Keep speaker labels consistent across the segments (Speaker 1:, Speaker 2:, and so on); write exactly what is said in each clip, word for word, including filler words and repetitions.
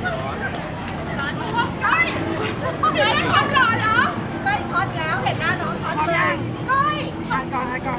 Speaker 1: ช็อตก้อยไม่ช็อตหรอเหรอไม่ช็อตแล้วเห็นหน้าน้องช็อตเลยก้อยอ่านก่อนอ่านก่อน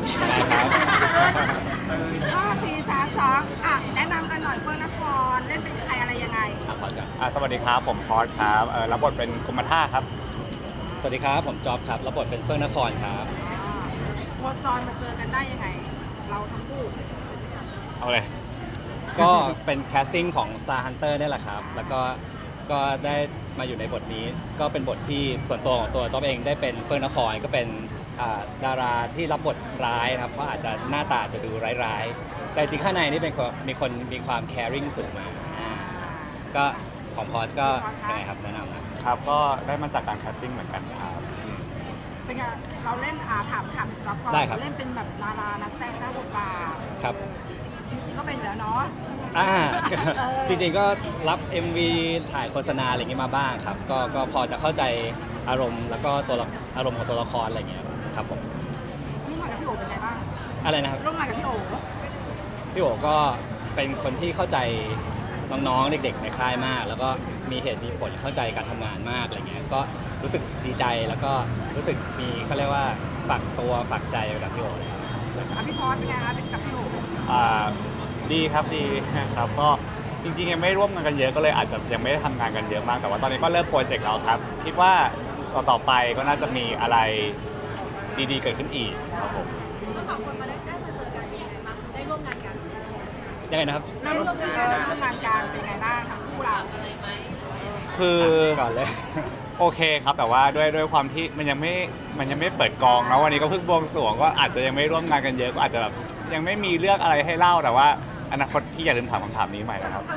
Speaker 1: ห้าสี่สามสองอ่ะแนะนำกันหน่อยเพื่อนนครเล่นเป็นใครอะไรยังไง
Speaker 2: อ่ะพอดกันอ่ะสวัสดีครับผมพอดครับเออรับบทเป็นกรมท่าครับ
Speaker 3: สวัสดีครับผมจ๊อบครับรับบทเป็นเฟื่องนครครับ
Speaker 1: โคจรมาเจอกันได้ยังไง เราทั้งคู่
Speaker 2: เอาเลย
Speaker 3: ก็เป็นแคสติ้งของ Star Hunter นี่แหละครับแล้วก็ก็ได้มาอยู่ในบทนี้ก็เป็นบทที่ส่วนตัวของตัวจ๊อบเองได้เป็นเฟื่องนครก็เป็นอ่าดาราที่รับบทร้ายนะครับเพราะอาจจะหน้าตาจะดูร้ายๆแต่จริงข้างในนี่เป็นคนมีคนมีความ caring สูงมากอ่าก็ของพอสก็ยังไงครับแนะนำนะครับ
Speaker 2: ก็ได้มาจากการแคสติ้งเหมือนกันครับอืม
Speaker 1: เป็นไงเราเล่นอ่าถามถามจ๊อบก่อน
Speaker 3: ได้ครับ
Speaker 1: เราเล่นเป็นแบบดารานักแสดงเจ้าบทบาท
Speaker 3: ครับ
Speaker 1: จริงๆก็เป็นอยู่แล้วเนาะ
Speaker 3: อ่า
Speaker 1: เออ
Speaker 3: จริงๆก็รับ เอ็ม วี ถ่ายโฆษณาอะไรอย่างงี้มาบ้างครับก็ก็พอจะเข้าใจอารมณ์แล้วก็ตัวละอารมณ์ของตัวละครอะไรอย่างเงี้ยครับผม
Speaker 1: ร่วมงานกับพี่โอเป็นไงบ้าง
Speaker 3: อะไรนะครับ
Speaker 1: ร่วมงานกับพี่โอ
Speaker 3: พี่โอก็เป็นคนที่เข้าใจน้องๆ เด็กๆ ในค่ายมาก แล้วก็มีเหตุมีผลเข้าใจการทำงานมากอะไรเงี้ยก็รู้สึกดีใจแล้วก็รู้สึกมีเขาเรียกว่าฝากตัวฝากใจไปกับพี่โอเลยครับ
Speaker 1: อ่ะพี่พอสเป็นไงคะเป็นกับพี่โอ
Speaker 2: อ่าดีครับดีครับก็จริงๆยังไม่ร่วมงานกันเยอะก็เลยอาจจะยังไม่ได้ทำงานกันเยอะมากแต่ว่าตอนนี้ก็เริ่มโปรเจกต์แล้วครับคิดว่าต่อต่อไปก็น่าจะมีอะไรดีๆเกิดขึ้นอีกครับผม
Speaker 1: ทั้งสองคนมาได้ได้มาเจอกันยังไงบ้างได้ร่วมงานกัน
Speaker 3: ยังไงนะครับ
Speaker 1: ได้ร่วมงานกันได้ร่วมงานกันเป็นไงบ้างทั้งคู่เรา
Speaker 2: คือ
Speaker 3: ก่อนเลย
Speaker 2: โอเคครับแต่ว่าด้วยด้วยความที่มันยังไม่มันยังไม่เปิดกองแล้ววันนี้ก็เพิ่งบวงสรวงก็อาจจะยังไม่ร่วมงานกันเยอะก็อาจจะแบบยังไม่มีเรื่องอะไรให้เล่าแต่ว่าอนาคตพี่อย่าลืมถามคำถามนี้ใหม่นะครับ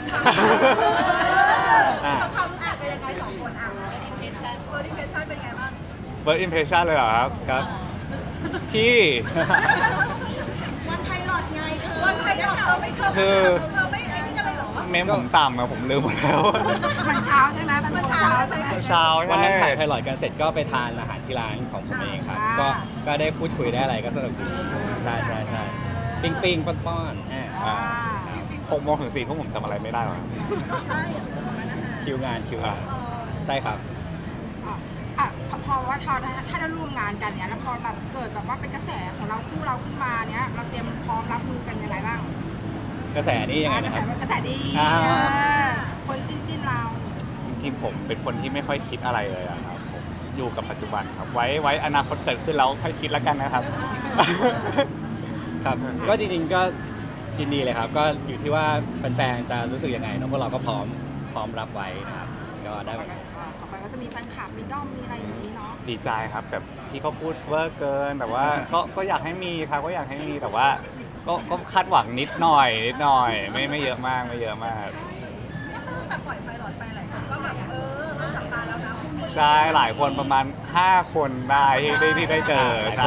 Speaker 3: อ่า
Speaker 1: ความรู้สึกเป็นยังไงสองคนอ่ะ first impression เป็นไงบ้าง
Speaker 2: first impression เลยเหรอครับ
Speaker 3: ครับ
Speaker 2: พี่
Speaker 1: วันไพลอตไงวันไพลอตเธอไม่เธอ
Speaker 2: คือ
Speaker 1: เธอไม่ไอ้นี่กันเลยเหรอ
Speaker 2: เมมผมต่ำอะผมลืมหมดแล้ว
Speaker 1: มันเช้าใช่ไหมมันเช้าใช่ไหม
Speaker 2: เช้า
Speaker 3: วัน
Speaker 2: ใช่
Speaker 3: นั้นถ่ายไพลอตกันเสร็จก็ไปทานอาหารที่ร้านของผมเองครับ
Speaker 1: อ่า
Speaker 3: ก็ก็ได้พูดคุยได้อะไรก็สนุกดีใช่ใช่ใช่ปิ้งปิ้งป้อนป้อนๆอ่า
Speaker 1: อ่า
Speaker 2: หกโมงถึงสี่ทุ่มผมจำอะไรไม่ได้หรอก
Speaker 1: ใช่
Speaker 3: คิวงานคิวงานใช่ครับ
Speaker 1: อ่ะอ่ะพอว่าถ้าถ้าได้ร่วมงานกันเนี้ยแล้วพอแบบเกิดแบบว่าเป็นกระแสของเราคู่เราขึ้นมาเนี้ยเราเตรียมพร้อมรับมือกันยังไงบ้าง
Speaker 3: กระแสนี่ยังไง
Speaker 1: กระ
Speaker 3: นะ
Speaker 1: แส
Speaker 3: ครับ
Speaker 1: กระแสดี
Speaker 3: อ่า
Speaker 1: เออคนจิ้นจิ้นเรา
Speaker 2: จริงๆผมเป็นคนที่ไม่ค่อยคิดอะไรเลยอะครับผมอยู่กับปัจจุบันครับไว้ไว้อนาคตเกิดขึ้นแล้วค่อยคิดแล้วกันนะครับ
Speaker 3: ครับก็จริงๆก็ยินดีเลยครับ ก็อยู่ที่ว่าแฟนๆจะรู้สึกยังไงเนอะพวกเราก็พร้อมพร้อมรับไว้นะครับก็ได้
Speaker 1: ต่อไปต่อไปก็จะมีแฟนคลับมีด้อมมีอะไรอย่างนี้เนาะ
Speaker 2: ดีใจครับแบบที่เขาพูดเวอร์เกินแต่ว่าก็ก็อยากให้มีครับก็อยากให้มีแต่ว่าก็ก็คาดหวังนิดหน่อยนิดหน่อยไม่ไม่เยอะมากไม่เยอะมาก
Speaker 1: ก็ต้องแบบปล่อยไฟหลอดไปหลายคนก็แบบเออเริ่มจับตาแล้วนะพรุ่งนี้
Speaker 2: ใช่หลายคนประมาณห้าคนได้ที่ได้ที่ได้เจอใช่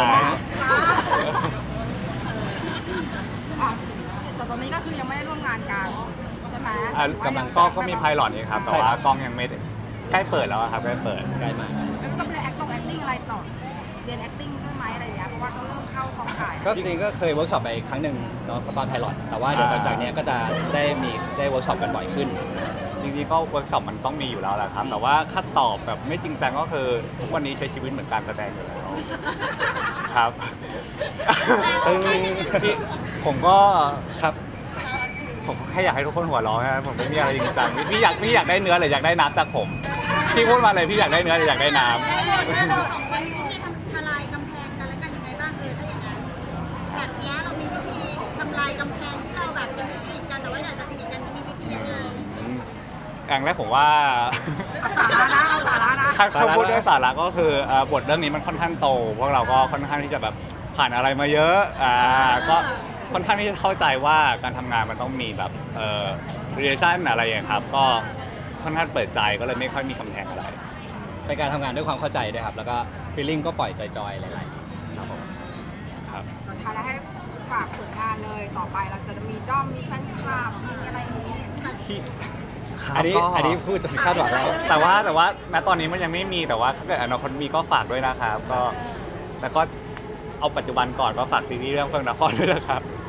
Speaker 1: อ่ะแต่ตอนนี้ก็คือยังไม่ได้ร่วมงานกันใช่ไหม
Speaker 2: อ่ะกำลังก็ก็มีไพลอตนี่ครับแต่ว่ากล้องยังไม่ได้ใกล้เปิดแล้วอะครับใกล้เปิด
Speaker 3: ใกล้มา
Speaker 1: แล้วก็ไปเรียน acting acting อะไรต่อเรียน acting ด้วยไหมอะไรอย่างเงี้ยเพราะว่าเขาเริ่มเข้ากองถ่าย
Speaker 3: ก็จริงๆก็เคยเวิร์กช็อปไปครั้งหนึ่งเนาะตอนไพลอตแต่ว่าเดี๋ยวหลังจากเนี้ยก็จะได้มีได้เวิร์กช็อปกันบ่อยขึ้น
Speaker 2: จริงๆก็เวิร์กช็อปมันต้องมีอยู่แล้วแหละครับ แต่ว่าถ้าตอบแบบไม่จริงจังก็คือทุกวันนี้ใช้ชีวิตเหมือนการแสดงอยู่แล้วครับ
Speaker 3: ตึ้ง
Speaker 2: พี่ผมก็
Speaker 3: ครับ
Speaker 2: ผมก็แค่อยากให้ทุกคนหัวเราะนะผมไม่มีอะไรจริงจังพี่พี่อยากพี่อยากได้เนื้อหรืออยากได้น้ำจากผมพี่พูดมาเลยพี่อยากได้เนื้อหรืออยากได้น้ำ
Speaker 4: เราสองคนมีวิธีทำทลายกำแพงกันและกันยังไงบ้างเออถ้าอย่างนั้นแบบเนี้ยเรามีวิธีทำลายกำแพงที่เราแบบยังไม่สนิทกันแต่ว่าอยากจะสนิทกันจะมีวิธียังไง
Speaker 2: อย่างแรกผมว่า
Speaker 1: เอาสาระนะเอาสาระนะ
Speaker 2: ถ้าถ้าพูดด้วยสาระก็คือเอ่อบทเรื่องนี้มันค่อนข้างโตพวกเราก็ค่อนข้างที่จะแบบผ่านอะไรมาเยอะอ่าก็ค่อนข้างที่จะเข้าใจว่าการทำงานมันต้องมีแบบเอ่อ relation อะไรอย่างเงี้ยครับก็ค่อนข้างเปิดใจก็เลยไม่ค่อยมีกำแพงอะไร
Speaker 3: เป็นการทำงานด้วยความเข้าใจด้วยครับ แล้วก็ฟีลลิ่งก็ปล่อยจอยๆหลายๆครับผม
Speaker 2: ครับ
Speaker 1: สุดท้ายแล้วให้ฝากผลงานเลยต่อไปเราจะมีด้อมมีแฟนคลับมีอะไรอย่างนี้
Speaker 2: ที่
Speaker 3: อันนี้
Speaker 2: ก็
Speaker 3: อันนี้พูดจนคาดหวังแล้ว
Speaker 2: แต่ว่าแต่ว่าณตอนนี้มันยังไม่มีแต่ว่าถ้าเกิดอนาคตมีก็ฝากด้วยนะครับก็แล้วก็เอาปัจจุบันก่อนก็ฝากซีรีส์เรื่องเฟื่องนครด้วยนะครับ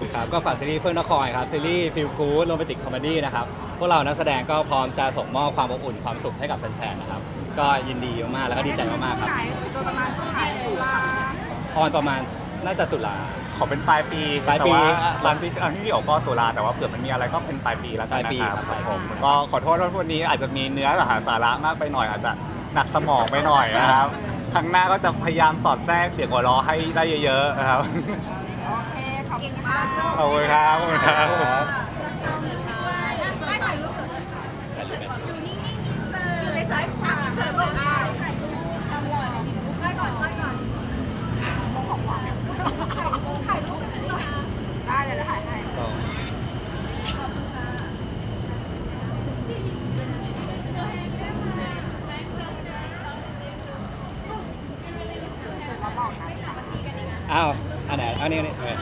Speaker 3: ครับก็ฝากซีรีส์เพื่อนนครครับซีรีส์ฟิลกู๊ดโรแมนติกคอมเมดี้นะครับพวกเรานักแสดงก็พร้อมจะส่งมอบความอบอุ่นความสุขให้กับแฟนๆนะครับก็ยินดีมากๆแล้วก็ดีใจมากๆครับ
Speaker 1: ช่วงไหนโดยประมาณช่วงไหนตุลา
Speaker 3: ออนประมาณน่าจะตุลา
Speaker 2: ขอเป็นปลายปี
Speaker 3: ปลายปี
Speaker 2: แต่ว่าตอนที่ตอนที่พี่โอก็ตุลาแต่ว่าเผื่อมันมีอะไรก็เป็นปลายปีแล้วกัน
Speaker 3: ปลายปี
Speaker 2: นะครับ
Speaker 3: ครับ
Speaker 2: ผมก็ขอโทษว่าวันนี้อาจจะมีเนื้อกับหาสาระมากไปหน่อยอาจจะหนักสมองไปหน่อยนะครับครั้งหน้าก็จะพยายามสอดแทรกเสียงหัวเราะให้ได้เยอะๆนะครับ
Speaker 1: โอเคขอบคุณค่ะ
Speaker 2: ขอบคุณครับขอบคุณครับ
Speaker 4: ไม่ถ่ายรูป
Speaker 3: ถ่ายรูปไหม
Speaker 4: อยู่นิ่งๆอยู่ในสายผ่าเธอบอกได้ถ่ายรูปทำหล่อถ่ายก่อนถ่ายก่อนถ่ายรูปหน่อย
Speaker 1: ได้เลยแล้วถ่ายให้
Speaker 3: ก็
Speaker 1: เสร็จแล้วบอกนะ
Speaker 3: อ้าวอันไหนอันนี้อันนี้